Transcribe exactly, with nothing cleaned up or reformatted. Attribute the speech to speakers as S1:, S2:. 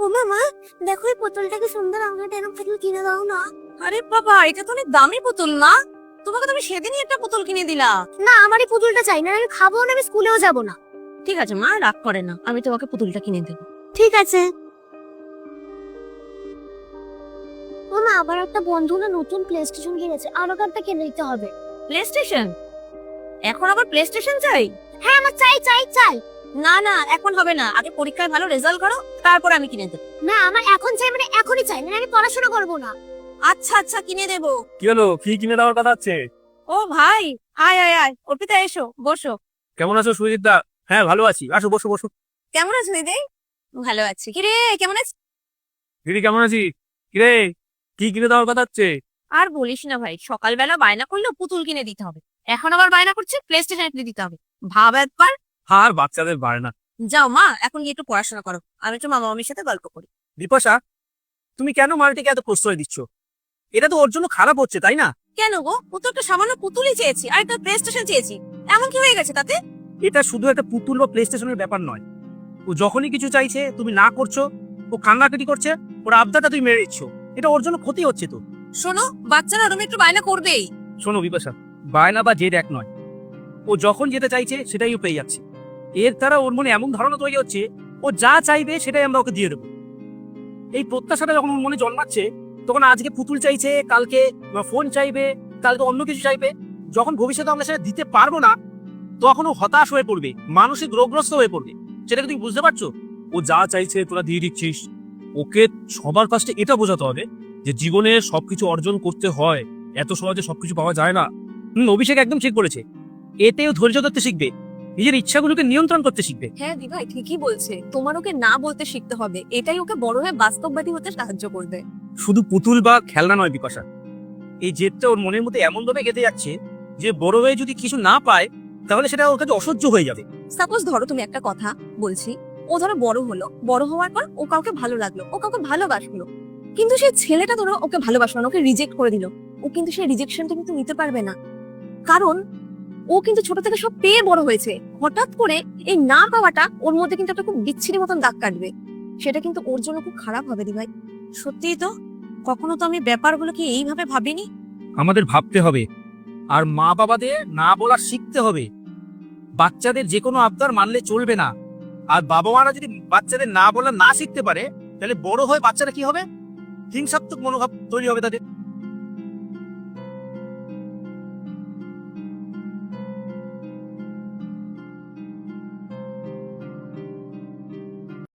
S1: ওমা মা, দেখো এই পুতুলটাকে সুন্দর, আমাকে এরকম পুতুল কিনে দাও না।
S2: আরে বাবা, এটা তো অনেক দামি পুতুল না? তোমাকে তো আমি সেদিনই একটা পুতুল কিনে দিলা।
S1: না, আমার এই পুতুলটা চাই না, আমি খাবো না, আমি স্কুলেও যাব না।
S2: ঠিক আছে মা, রাগ করে না, আমি তোমাকে পুতুলটা কিনে দেবো।
S1: ঠিক আছে। ওমা, আবার একটা বন্ধু না নতুন প্লে স্টেশন কিনেছে, আরো একটা কিনে দিতে হবে।
S2: Play station? এখন আবার প্লে স্টেশন চাই?
S1: হ্যাঁ, আমার চাই চাই চাই।
S2: না না, এখন হবে না, আগে পরীক্ষায় ভালো রেজাল্ট করো, তারপর আমি কিনে দেবো।
S1: না, আমার এখন চাই, মানে এখনই চাই, না আমি পড়াশোনা করব না।
S2: আচ্ছা আচ্ছা, কিনে দেবো।
S3: কি হলো, কি কিনে দেওয়ার কথা আছে?
S2: ও ভাই, আয় আয় আয়, অর্পিতা এসো, বসো।
S3: কেমন আছো সুজিত দা? হ্যাঁ ভালো আছি, আসো বসো বসো।
S2: কেমন আছো দিদি? ভালো আছি। কিরে, কেমন আছিস?
S3: দিদি কেমন আছি? কিরে, কি কিনে দেওয়ার কথা আছে?
S2: আর বলিস না ভাই, সকালবেলা বায়না করলেও পুতুল কিনে দিতে হবে, এখন আবার বায়না করছে প্লে স্টেশন কিনে দিতে হবে। ভাব একবার।
S3: আর বাচ্চাদের বাড়ে না।
S2: যাও মা, এখন গিয়ে একটু পড়াশোনা করো, আমি একটু মামা মামির সাথে গল্প করি।
S3: বিপাশা, তুমি কেন মালটিকে এত প্রশ্রয় দিচ্ছ? এটা তো ওর জন্য খারাপ হচ্ছে, তাই না?
S2: কেন গো, ও তো একটা সামান্য পুতুলই চেয়েছি, আর একটা প্লে স্টেশন চেয়েছি, এমন কি হয়ে গেছে তাতে?
S3: এটা শুধু একটা পুতুল বা প্লে স্টেশনের ব্যাপার নয়। ও যখনই কিছু চাইছে তুমি না করছো, ও কান্নাকাটি করছে, ওর আবদারটা তুমি মেরে দিচ্ছ, এটা ওর জন্য ক্ষতি হচ্ছে তো।
S2: শোনো, বাচ্চারা ওরম একটু বায়না করবেই।
S3: শোনো বিপাশা, বায়না বা জেদ এক নয়। ও যখন যেটা চাইছে সেটাই ও পেয়ে যাচ্ছে। এর দ্বারা ওর মনে এমন ধারণা তৈরি হচ্ছে ও যা চাইবে সেটাই আমরা ওকে দিয়ে দেবো। এই প্রত্যাশাটা যখন ওর মনে জন্মাচ্ছে, তখন আজকে পুতুল চাইছে, কালকে ফোন চাইবে, কালকে অন্য কিছু চাইবে। যখন ভবিষ্যতে আমরা সেটা দিতে পারবো না, তখন ও হতাশ হয়ে পড়বে, মানসিক রোগগ্রস্ত হয়ে পড়বে। সেটাকে তুমি বুঝতে পারছো? ও যা চাইছে তোরা দিয়ে দিচ্ছিস। ওকে সবার কাছে এটা বোঝাতে হবে যে জীবনে সবকিছু অর্জন করতে হয়, এত সহজে সবকিছু পাওয়া যায় না। হম, অভিষেক একদম ঠিক বলেছে। এতেও ধৈর্য ধরতে শিখবে, নিজের ইচ্ছাগুলোকে নিয়ন্ত্রণ করতে শিখবে।
S2: হ্যাঁ দিভাই, ঠিকই বলছে, তোমার ওকে না বলতে শিখতে হবে, এটাই ওকে বড় হয়ে বাস্তববাদী হতে সাহায্য করবে।
S3: শুধু পুতুল বা খেলনা নয় বিপাশা, এই জেদটা ওর মনের মধ্যে এমন ভাবে গেঁথে যাচ্ছে যে বড় হয়ে যদি কিছু না পায় তাহলে সেটা ওর কাছে অসহ্য হয়ে যাবে।
S2: সাপোজ ধরো, তুমি একটা কথা বলছি, ও ধরো বড় হলো, বড় হওয়ার পর ও কাউকে ভালো লাগলো, ও কাউকে ভালোবাসলো, কিন্তু সেই ছেলেটা ধরো ওকে ভালোবাসলো না, ওকে রিজেক্ট করে দিল। ও কিন্তু সেই রিজেকশনটা কিন্তু নিতে পারবে না, কারণ ও কিন্তু ছোট থেকে সব পেয়ে বড় হয়েছে। হঠাৎ করে এই না পাওয়াটা ওর মধ্যে কিন্তু একটা খুব বিচ্ছিরি মতন দাগ কাটবে, সেটা কিন্তু ওর জন্য খুব খারাপ হবে দিভাই। সত্যিই তো, কখনো তো আমি ব্যাপারগুলোকে এইভাবে ভাবিনি।
S3: আমাদের ভাবতে হবে, আর মা বাবাদের না বলা শিখতে হবে। বাচ্চাদের যে কোনো আবদার মানলে চলবে না। আর বাবা মারা যদি বাচ্চাদের না বলা না শিখতে পারে, তাহলে বড় হয়ে বাচ্চারা কি হবে? হিংসাত্মক মনোভাব তৈরি হবে তাদের।